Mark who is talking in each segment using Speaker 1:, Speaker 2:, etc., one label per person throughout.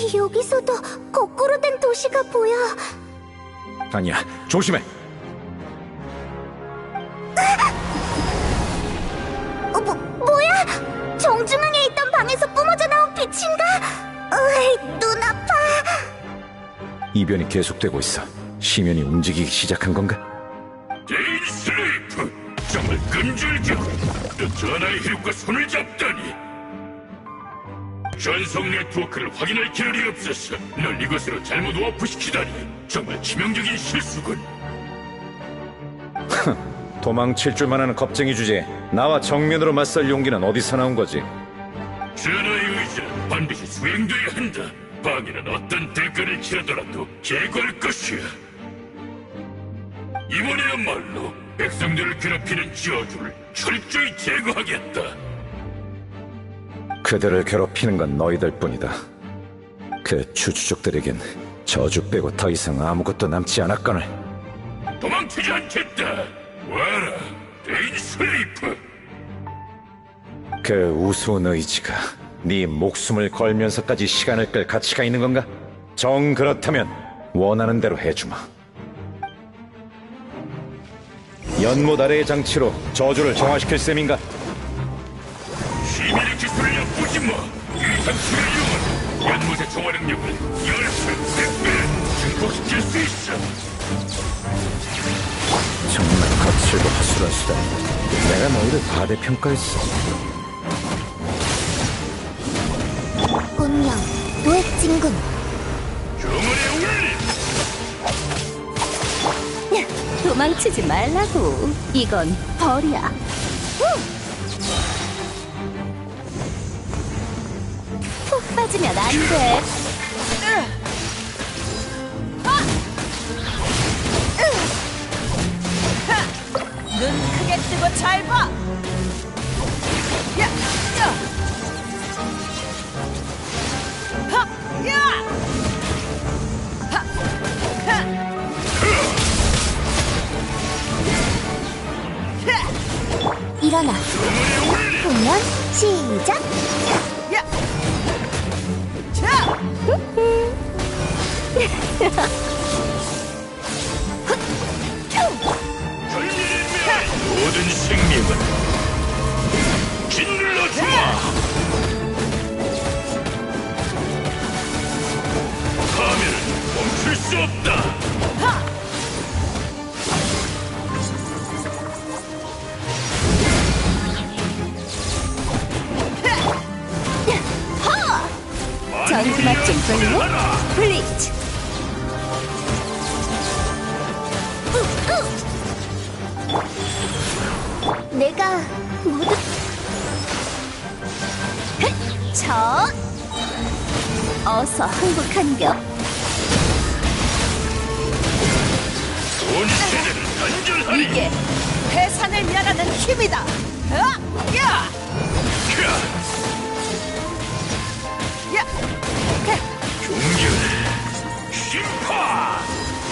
Speaker 1: 여기서도 거꾸로 된 도시가 보여.
Speaker 2: 아니야, 조심해.
Speaker 1: 뭐야? 정중앙에 있던 방에서 뿜어져 나온 빛인가? 눈 아파.
Speaker 2: 이변이 계속되고 있어. 시면이 움직이기 시작한 건가?
Speaker 3: 데일 슬레이프, 정말 끔찍하고 너 전하의 hiệu과 손을 잡다니. 전송 네트워크를 확인할 기회이 없었어. 널 이것으로 잘못 워프시키다니 정말 치명적인 실수군.
Speaker 2: 도망칠 줄만 아는 겁쟁이 주제에 나와 정면으로 맞설 용기는 어디서 나온 거지?
Speaker 3: 전하의 의지는 반드시 수행돼야 한다. 방해는 어떤 대가를 치르더라도 제거할 것이야. 이번에야말로 백성들을 괴롭히는 저주를 철저히 제거하겠다.
Speaker 2: 그들을 괴롭히는 건 너희들 뿐이다. 그 추주족들에겐 저주 빼고 더 이상 아무것도 남지 않았거늘.
Speaker 3: 도망치지 않겠다. 와라, 데인 슬레이프.
Speaker 2: 그 우스운 의지가 네 목숨을 걸면서까지 시간을 끌 가치가 있는 건가? 정 그렇다면 원하는 대로 해주마. 연못 아래의 장치로 저주를 정화시킬 셈인가?
Speaker 3: 시민의 기술을 엿보지 마. 이 장치를 이용하면 연못의 정화 능력을 10배, 100배 증폭시킬 수 있어.
Speaker 2: 정말 거칠고 허술한 수다. 내가 너희를 과대평가했어.
Speaker 1: 운명, 도액진군.
Speaker 3: 정원의 울림.
Speaker 1: 도망치지 말라고. 이건 벌이야. 푹 빠지면 안 돼.
Speaker 4: 눈 크게 뜨고 잘 봐. 야, 야, 하, 야, 하, 하, 하,
Speaker 1: 일어나. 공연 시작.
Speaker 4: 야, 자,
Speaker 3: 모든 생명은 짓눌러 주마. 하면은 멈출 수 없다.
Speaker 1: 전투 맛좀 볼래? 블리츠. 내가 모두 저 어서 항복한겨.
Speaker 3: 온 세대를 단절하리.
Speaker 4: 이게 해산을 면하는 힘이다. 야, 야, 야,
Speaker 3: 종결 심판.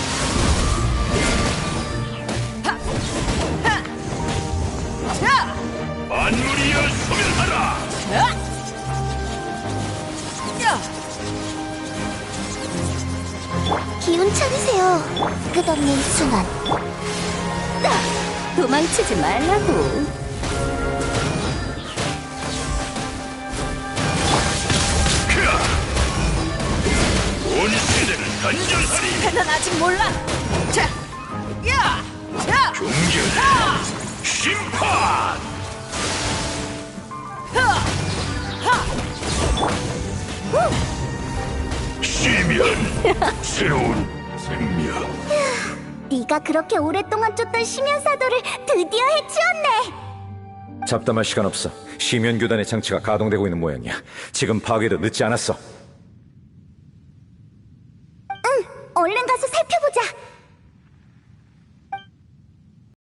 Speaker 4: 자,
Speaker 3: 만물이여 소멸하라.
Speaker 4: 야, 야.
Speaker 1: 기운 차리세요. 끝없는 순환. 도망치지 말라고.
Speaker 3: 온 세대를 단절하리.
Speaker 4: 패는 아직 몰라. 자, 야, 자,
Speaker 3: 종결 심판.
Speaker 4: 하, 하,
Speaker 3: 시면 새로운 생명.
Speaker 1: 네가 그렇게 오랫동안 쫓던 심연사도를 드디어 해치웠네.
Speaker 2: 잡담할 시간 없어. 시면교단의 장치가 가동되고 있는 모양이야. 지금 파괴도 늦지 않았어.